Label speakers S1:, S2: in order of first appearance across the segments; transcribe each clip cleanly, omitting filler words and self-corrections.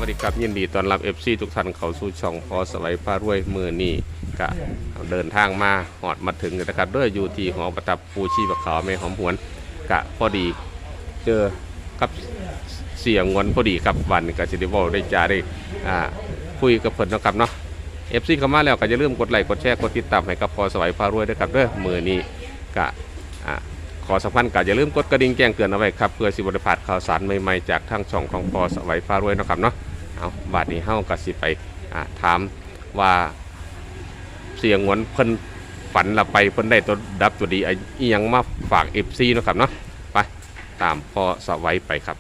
S1: ดีครับยินดีต้อนรับ FC ทุกท่านเข้าสู่ช่องพอสวัยพารวยมือนี่กะเดินทางมาหอดมาถึงนะครับด้วยอยู่ที่หอประทับปูชีพขาวแม่หอมหวนกะพอดีเจอกับเสียงงวนพอดีครับวันกะสิได้บอกได้จาได้คุยกับเพิ่นนะครับเนาะ FC เข้ามาแล้วก็อย่าลืมกดไลค์กดแชร์กดติดตามให้กับพอสวัยพารวยด้วยครับด้วยมือนี้กะขอสัมพันธ์ก็อย่าลืมกดกระดิ่งแจ้งเตือนเอาไว้ครับเพื่อสิบริพลาดข่าวสารใหม่ๆจากทางช่องของพอสวัยฟ้ารวยนะครับเนาะเอาบัดนี้เฮาก็สิไปถามว่าเสียงหวนเพิ่นฝันละไปเพิ่นได้ตัวดับตัวดีอีหยังมาฝาก FC นะครับเนาะไปตามพอสวัยไปครับ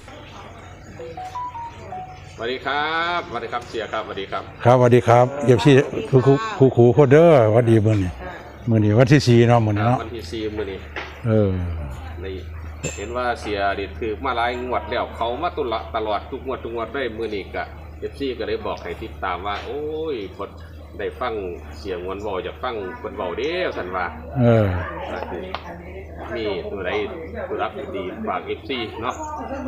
S1: สวัสดีครับสวัสดีครับเสียครับสวัสดีครับ
S2: ครับสวัสดีครับเย็บซี่ครูโคเดอร์สวัสดีมื้อนี้วันที่4เนาะมื้อนี้เนาะ
S1: วันที่4มื้อนี้นี่เห็นว่าเสียดิคือมาหลายงวดแล้วเขามาตุละตลอดทุกงวดได้มื้อนี้ก็FCก็เลยบอกให้ติดตามว่าโอ้ยพอได้ฟังเสียงวนเว้าอยากฟังเพิ่นเว้าเด้อซั่นว่ามีตัวใดตัวรับดีฝาก FC เนาะ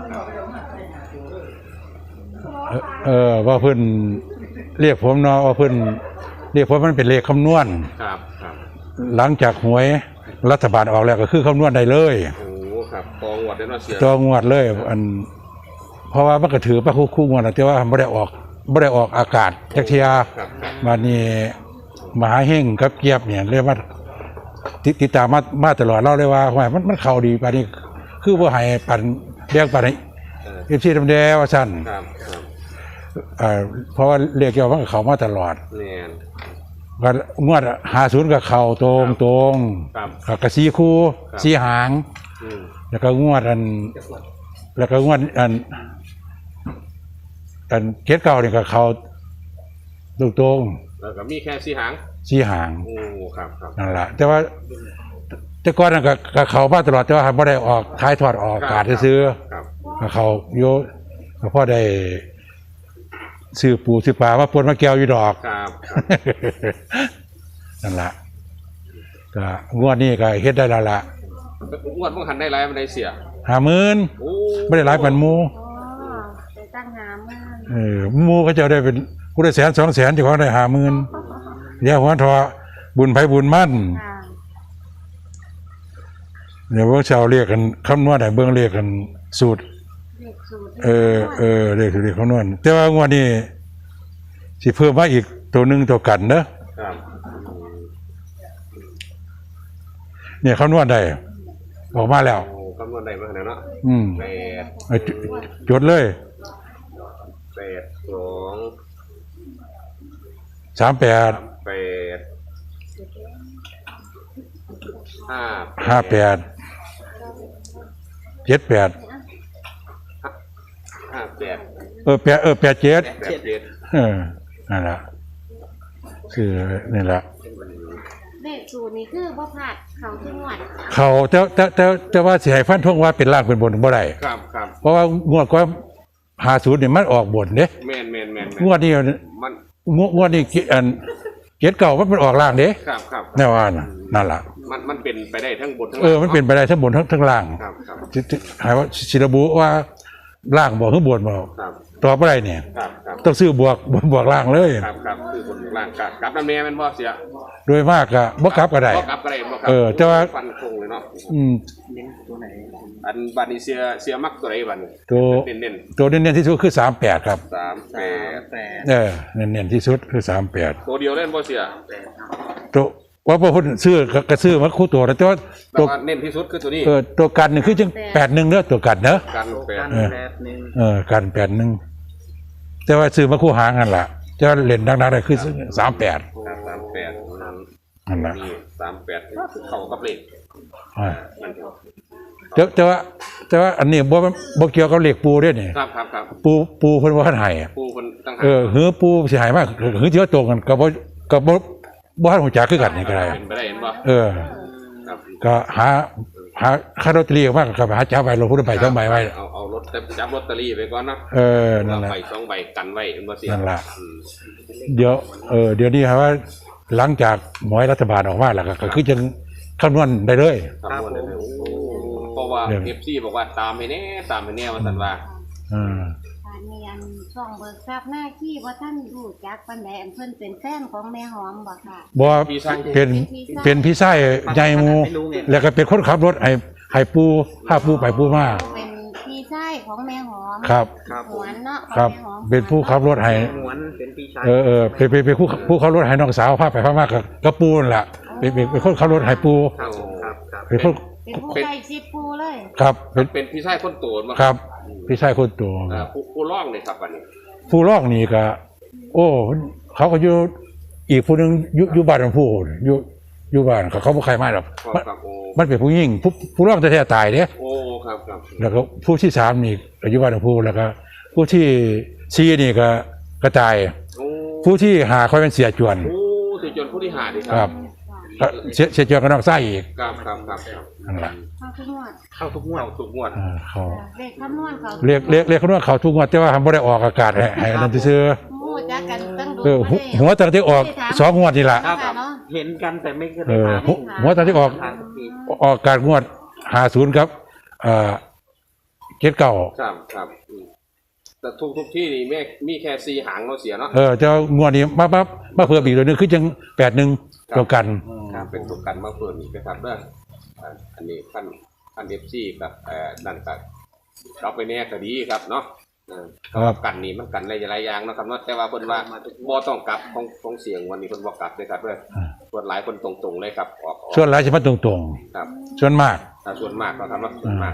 S2: ว่าเพิ่นเรียกผมเนาะว่าเพิ่นเรียกผมมันเป็นเลขคำนวณ
S1: ครับ
S2: หลังจากหวยรัฐบาลออกแล้วก็คือคำนวณได้เลย
S1: โอ้ครับตองวดได้เนาะเสีย
S2: ตองวดเลยเพราะว่ามันก็ถือว่าคู่งวดแต่ว่าไม่ได้ออกอากาศจักเทียมานี่มหาเฮงกับเกียบเนี่ยเรียกว่าติดตามมาตลอดเล่าเลยว่ามันเข้าดีปานนี้คือบ่ให้ปั่นเรียกปั่นFCทำแดว่าซั่นเพราะว่าเรียกเกี่ยวมันเข้ามาตลอดก็งวด50กับเข่าตรงกับสีคู่สีหางแล้วก็งวดเกตเก่าเนี่ยกับเข่าตรง
S1: แล้วก็มีแค่สีหางโอ้ครับ
S2: นั่นแหละแต่ก่อนนั่นกับเข่ามาตลอดแต่ว่าไม่ได้ออกท้ายทอดออกอากาศซื้อกับเข่าโยกับพ่อได้ซื้อปูซื้อปลามาปนมาแก้วอยู่ดอกนั่นแหละก็งวดนี้ก็เฮ็ดได้แล้วล่ะ
S1: งวดเมื่อหันได้ไรมันได้เสีย
S2: 50,000ไม่ได้หลายปันมู
S3: ไปตั้ง50,000
S2: มูก็จะได้เป็นกูได้100,000 200,000เจ้าของได้50,000เดี๋ยวหัวทอบุญไผบุญมั่นเดี๋ยวพวกชาวเรียกกันคำนวณได้เบิ่งเรียกกันสูตรเรียกคำนวณแต่ว่างวดนี้สิเพิ่มมาอีกตัวนึงตัวกันเด้อเนี่ยคำนวณได้ออกมาแล้ว
S1: คำนวณได้มาแล้วเนาะ
S2: จดเลย
S1: 82 38
S2: 58 87นั่นแหละคือนี่แหละ
S3: เลขสูตรนี้คือบ่พลาดเขาทุกงวด
S2: เขาแต่ว่าสิให้ฟันธงว่าเป็นล่างเป็นบนบ่ได้เพราะว่างวดก็50นี่มันออกบนเด้
S1: แม่น
S2: งวดนี้มันงวดนี้เกียรติเก่ามันออกล่างเด้แน่ว่านั่นล่ะ
S1: มันเป็นไปได้ทั้งบนทั้งล่าง
S2: มันเป็นไปได้ทั้งบนทั้งล่างหายว่าสิระบุว่าล่างบอกข้างบนบอกต่อไปเนี่ยต้องซื้อบวกล่างเลย
S1: ครับซื้อบนล่างกลับน้ำแม่เป็นบ่เสีย
S2: โดยมากก็บ่กลับก็ได้แต่ว่า
S1: ฟันคงเลยเนาะตัวไหนอันบัดนี้เสียมักตัวไหนบัดนี้
S2: ตัวเน้นที่สุดคือ38ครับ
S1: 38
S2: เน้นที่สุดคือ38
S1: ตัวเดียวเล่นบ่เสีย
S2: ตัวว่าพอคนซื้อกระซื้อมาคู่ตัวแต่ว่า
S1: ตัวเน้นที่สุดคือตัวนี้
S2: ตัวกันนี่คือจัง81เด้อตัวกันเนอะกัน81แต่ว่าซื้อมาคู่หางกันล่ะจะเล่นดังๆได้คือ38นั่นล่ะ
S1: เข้ากับเลข
S2: แต่ว่าอันนี้บ่เกี่ยวกับเลขปูเด้นี่
S1: ครับ
S2: ปูเพิ่นว่าให้
S1: ปูเพิ่นตั้ง
S2: หือปูสิให้มากหือสิว่าตรงกันก็บ่ทันฮู้จักคือกันนี่ก็ได้
S1: เป็นไปได้เห็นบ่
S2: ก็หาค่าลอตเตอรี่มากก็หาจับไว้ลงพุทธใบ2ใบไว้
S1: เอารถจับลอตเตอรี่ไปก่อนนะ
S2: นั่นแหละ
S1: ใบ2ใบกันไว้บ่เสีย
S2: นั่นล่ะเดี๋ยวนี้ครับว่าหลังจากหวยรัฐบาลออกมาแล้วก็คือจะคำนวณได้เลย
S1: เพราะว่า FC บอกว่าตามให้แน่ว่าซั่นว่า
S3: ส่องเบิกทรัพย์หน้าที่ว่าท่านรู้จักปานใดอันเพิ่นเป็นแฟนของแม่หอมบ่ค่ะ
S2: บ่เป็นเป็นพี่ชายใหญ่หมู่แล้วก็เป็นคนขับรถให้ปูพาปูไปปูมา
S3: เป็นพี่ชายของแม่หอม
S2: ครับ
S3: หวนเนาะ
S2: ครับ
S3: ของแม่หอม
S2: เป็นผู้ขับรถให้
S4: หวนเป็นปีชาย
S2: เป็นผู้ขับรถให้น้องสาวพาไปพามากับปูนั่นล่ะเป็นคนขับรถให้ปู
S4: ครับครับครับ
S2: เป็นคน
S3: เป็นผู้ใกล้ชิดปูเลย
S2: ครับเป็น
S1: เป็นพี่ชายคนโตมา
S2: ครับพี่ชายคนโต
S1: ผู้ร้องเลยครับวันนี้
S2: ผู้ร้องนี่ก็โอ้เขาก็อยู่อีกผู้หนึงอยู่บ้านของผู้อยู่บ้านเขาบ่ใครมาหรอก
S1: ครับโอ้
S2: มันเป็นผู้หญิงผู้ร้องแท้ๆตายเด้
S1: โอ้ครับครับ
S2: แล้วก็ผู้ที่3นี่อายุบ้านของผู้แล้วก็ผู้ที่4นี่ก็กระจาย
S1: โอ้
S2: ผู้ที่5ค่อยเป็นเสียจวน
S1: โอ้สิจนผู้ที่หาดิ
S2: ครับก็เสียจวนก็น้องไส้อีก
S1: ครับครับครับ
S2: นั่นล่ะ
S3: เข้าทุกงวด
S4: เข้าทุกงวด
S1: เข้าทุกงวด
S2: เขา
S3: เลขคำนวณเขา
S2: เรียกเขาว่าเขาทุกงวดแต่ว่าทำบ่ได้ออกอากาศให้นั่นซื่อ
S3: หูจักกันตั้งดู
S2: หัวตั้งที่ออก2งวดนี่ล่ะ
S4: ครับ
S3: เนาะ
S4: เห็นกันแต่ไม่เคย
S2: เออ
S4: ถาม
S2: หัวตอนที่ออก
S4: ทางสักที
S2: ออกการงวด50ครับ79
S1: ครับครับแต่ทุกที่นี่แม่มีแค่4หางเราเสียเนาะ
S2: จะงวดนี้มาเพิ่มอีกเลยนึงคือจัง81ตัวกัน
S1: ครับเป็นตัวกันมาเพิ่มอีกนะครับเด้ออันนี้ขั้น FC กับนั่นกับเราไปแน่ก็ดีครับเนาะกันนี่มันกันหลายอย่างเนาะครับเนาะแต่ว่าเพิ่นว่าบ่ต้องกลับของเสียงวันนี้เพิ่นบ่กลับเลยครับเด้อส่วนหลายคนตรงๆเลยครับออก
S2: ส่วนหลายจะมาตรง
S1: ครับ
S2: ๆส่วนมาก
S1: ส่วนมากเราทำว่าส่วนมาก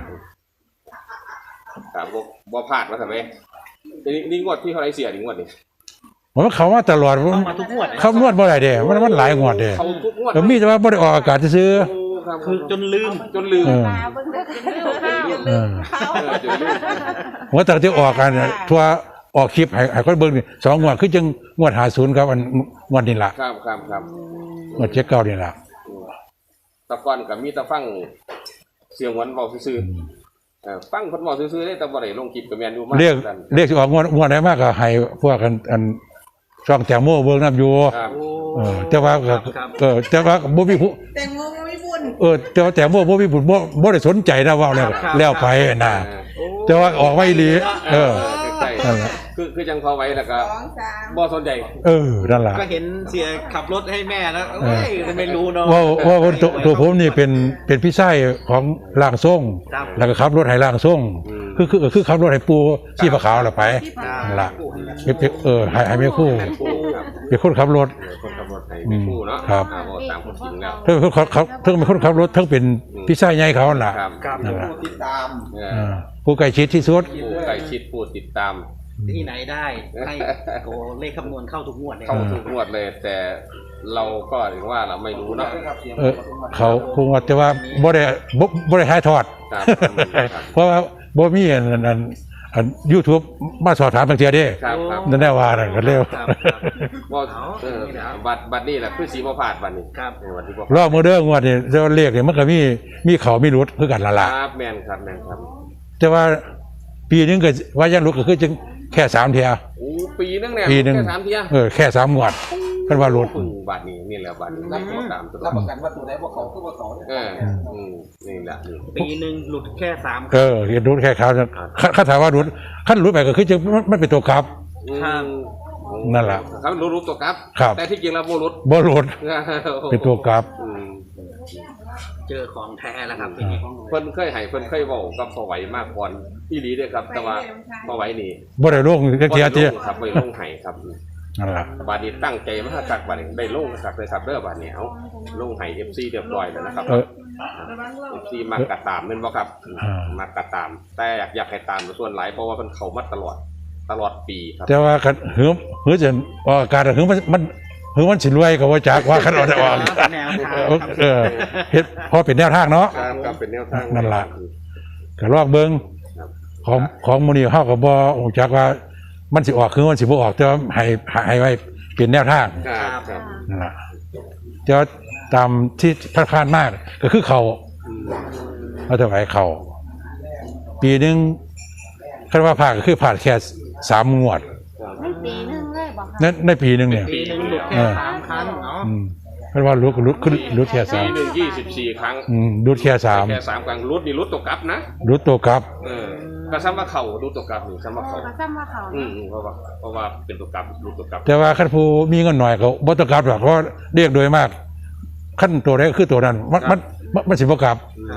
S1: ครับบ่พลาดว่าทำไมนี่งวดที่เท่าไรเสียนี่งวดนี่
S2: ผมว่าเขามาตลอด
S4: เข้ามาทุกงวด
S2: เขานวดบ่ได้เด้มันหลายงวดเด้
S1: เขาทุกงวด
S2: แล้วมีแต่ว่าบ่ได้ออกอากาศซื่อ
S4: คือจนลืม
S1: จนลืม
S3: ตาเบิ่งเด้อจนลืมข้าว
S2: เออ
S1: จนลืม
S2: หัวตั้งที่ออกกันทั่วออกคลิปให้คนเบิ่งนี่2งวดคือจังงวด50ครับอันงวดนี้ล่ะ
S1: ครับ
S2: งวด79นี่ล่ะ
S1: ตะกอนกับมีตะฟังเสียงหวานเบาซื่อฟังคนเบาซื่อได้แต่บ่ได้ลงคลิปกับแมนอยู่มาก
S2: เรียกสิออกงวดไหนมากก็ให้พวกกันอันช่องแตงโมเบิ่งนำอยู่
S1: ครับ
S2: แต่ว่าแต่ว่าบ่มีผู้
S5: แตงโมไม่บุญ
S2: แต่ว่าแตงโมบ่มีบุญบ่ได้สนใจนะว่าแล้วไปน่ะแต่ว่าออกไว้อีหลี
S1: ใช่
S2: นั่นแหละ
S1: คือจังพอไว้แล้วก็
S5: 2 3
S1: บ่สนใจ
S2: นั่นล่ะ
S4: ก็เห็นเสียขับรถให้แม่แล้วเอ้ยไม่รู้เนาะ
S2: ว่าตัวผมนี่เป็นพี่ชายของร่างทรง
S4: ครับ
S2: แล้วก็ขับรถให้ร่างทรงคือขับรถให้ปูชีพขาวล่ะไปนั่นล่ะให้แม่คู่
S1: ครับ
S2: เป็นคนขับรถ
S1: คนขับรถให้เป็นผู้เนาะ
S2: ครับ
S1: ตามคนจริงแล้ว
S2: เพิ่งเป็นคนขับรถทั้งเป็นพี่ชายใหญ่เขาล่ะ
S1: ครับ
S4: ครับ
S2: นั่นล่ะ
S5: ติดตาม
S2: ผู้ใกล้ชิดที่สุด
S1: ผู้ใกล้ชิดผู้ติดตาม
S4: ที่ไหนได้ให้โอ้เลขคำนวณเข้าทุกงวดเลย
S1: เข้าทุกงวดเลย แต่เราก็ถึงว่าเราไม่รู้เนาะ
S2: เขาคงว่าแต่ว่าบ่ได้ถ่ายทอด
S1: ครับ
S2: เพราะว่าบ่มีอัน YouTube มาสอบถามบางเทียเด้
S1: ครับ
S2: นั่นแน่ว่านั่นก็เร็ว
S1: ว่าบัตรนี่แหละคือสีมาผาดบัตรนี่
S4: ครับ
S1: วันที่บอก
S2: รอบมื้อเด้องวดนี่แต่ว่าเลขนี่มันก็มีเขามีรุดคือกันละล่ะ
S1: ครับแมนครับ
S2: แต่ว่าปีนึงก็ว่ายังรุดก็คือจึงแค่3เที่ย
S1: โอ้ปีนึงเนี่ย
S2: ปีนึง
S1: แค่3เที่ย
S2: แค่3งวดเพิ่นว่ารุด
S1: บัตรนี่แหละบัตรนี่ตามตัว
S5: รับประกันว่าตัวไหนว่าเขาคือว่าเขาเนี่ย
S1: นี่แหละนี่
S4: ปีหนึ่งหลุดแค่3
S2: เห็นรุดแค่คราวคันถามว่ารุดคันรุดไปก็คือจึงมันเป็นตัวกลับ นั่นล่ะ
S1: ครับรู้ตัวครับ
S2: ครับ
S1: แต่ที่จริงแล้วโมรุษ
S2: บ่รุดเป็นตัวกลับ
S4: เจอของแท้แล้วครับทีนี้
S1: เพิ่นเคยให้เพิ่นเคยบอกกับพอไหวมากก่อนอีหลีเด้อครับ แต่ว่าพอไหวนี่
S2: บ่ได้ลงจักเที่ยเที่ย
S1: ครับไปลงให้ครับ
S2: นั่นล่ะ
S1: บาดนี้ตั้งใจมาสักบาดนี้ได้ลงสักเลยครับเด้อบาดนี้เอาลงให้ FC เรียบร้อยแล้วนะครับ FC มากระตามแม่นบ่ครับมากระตาม แต่อยากให้ตามส่วนหลายเพราะว่าเพิ่นเข้ามาตลอดปีครับ
S2: แต่ว่าคันหือจะออกอากาศหือมันสิรวยก็ว่าจักว่าคันเอาได้ออก
S4: แนวทางครับ
S2: เฮ็ดพอเป็นแนวทางเนาะ
S1: ครับเป็นแนวทาง
S2: นั่นล่ะ ก็ลอกเบิ่งของมื้อนี้เฮาก็บ่ฮู้จักว่ามันสิออกคือมันสิบ่ออกแต่ว่าให้ไว้เป็นแนวทาง
S1: ครับ
S2: นั่นล่ะแต่ว่าตามที่ผ่านๆมาก็คือเขาเอาถวายเขาปีนึงคันว่าผ่านก็คือผ่านแค่3งวด
S3: ไม่ปีนึงเลยบอกค่ะ
S2: ในปีนึงเนี่ย
S4: ปีหนึ่งหลุดแค่3 ครั้งเนาะ
S2: เพราะว่ารุดแค่
S1: ปี
S2: 3
S1: หนึ่ง24 ครั้ง
S2: รุดแค่
S1: แค่3ครั้งรุดนี่รุดตกกลับนะ
S2: รุดตัวกลับ
S1: เก็ซ้ำว่าเขาดูตัวกลับนี่ซ้ำว่าเขา
S3: ก็ซ้ำว่าเขา
S1: เพราะว่าเป็นตัวกลับดูตัวกลับ
S2: แต่ว่าคันผู้มีเงินหน่อยก็บ่ต้องกลับหรอกเพราะเรียกโดยมากขั้นตัวใดก็คือตัวนั้นมันสิบ่กลับ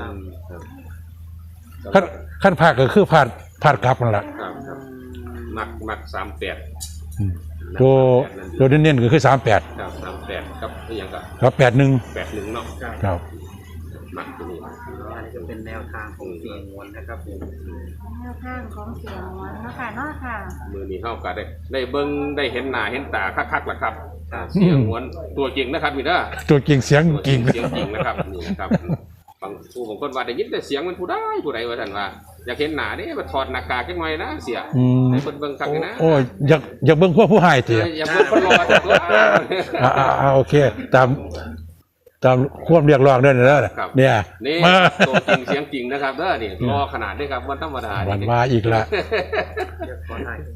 S1: ครับ
S2: ขั้นภาคก็คือพลาดกลับนั่นแหละ
S1: ครับมัก38
S2: อืมตัวเน้นๆก็คือ38
S1: ครับ38กับอหยังก็
S2: ครับ81
S1: 81เนาะ
S2: ครับ
S1: มักตัวนี้
S4: อันนี้จะเป็นแนวทางของเสียงมวลนะครับผม
S3: แนวทางของเสียงหวนเนาะค่ะเนาะค่ะ
S1: มือนี้เฮาก็ได้เบิ่งได้เห็นหน้าเห็นตาคักๆล่ะครับเสียงหวนตัวจริงนะครับมีเด้อ
S2: ตัวจริงเสียงจริง
S1: เสียงจริงนะครับนี่นะครับบางคนว่าได้ยินแต่เสียงมันผู้ใดว่าท่านว่าอยากเห็นหน้าเด้มาถอดหน้ากากจังหน่อยนะเสียให้เบิ่งคักนะ
S2: โอ้ยอยากเบิ่งพวกผู้ให้ติ
S1: อย่าเบิ่งคนรอจังตัว
S2: โอเคตามความเรียกร้องเด้อเนี่ย
S1: นี่
S2: มา
S1: ตัวจริงเสียงจริงนะครับเด้อนี่รอขนาดนี้ครับวันธรรมดา
S2: วันมาอีกละ
S4: เดี๋ยวขอถ่าย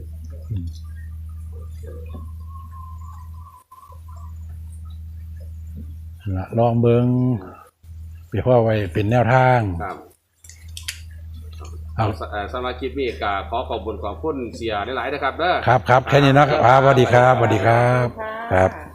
S2: ลองเบิ่งไปพ่อไว้เป็นแนวทาง
S1: ครับ
S2: เอา
S1: สมาชิกมีก็ขอขอบคุณเสียหลายๆนะครับเด้อ
S2: ครับแค่นี้นะครับสวัสดีครับครับ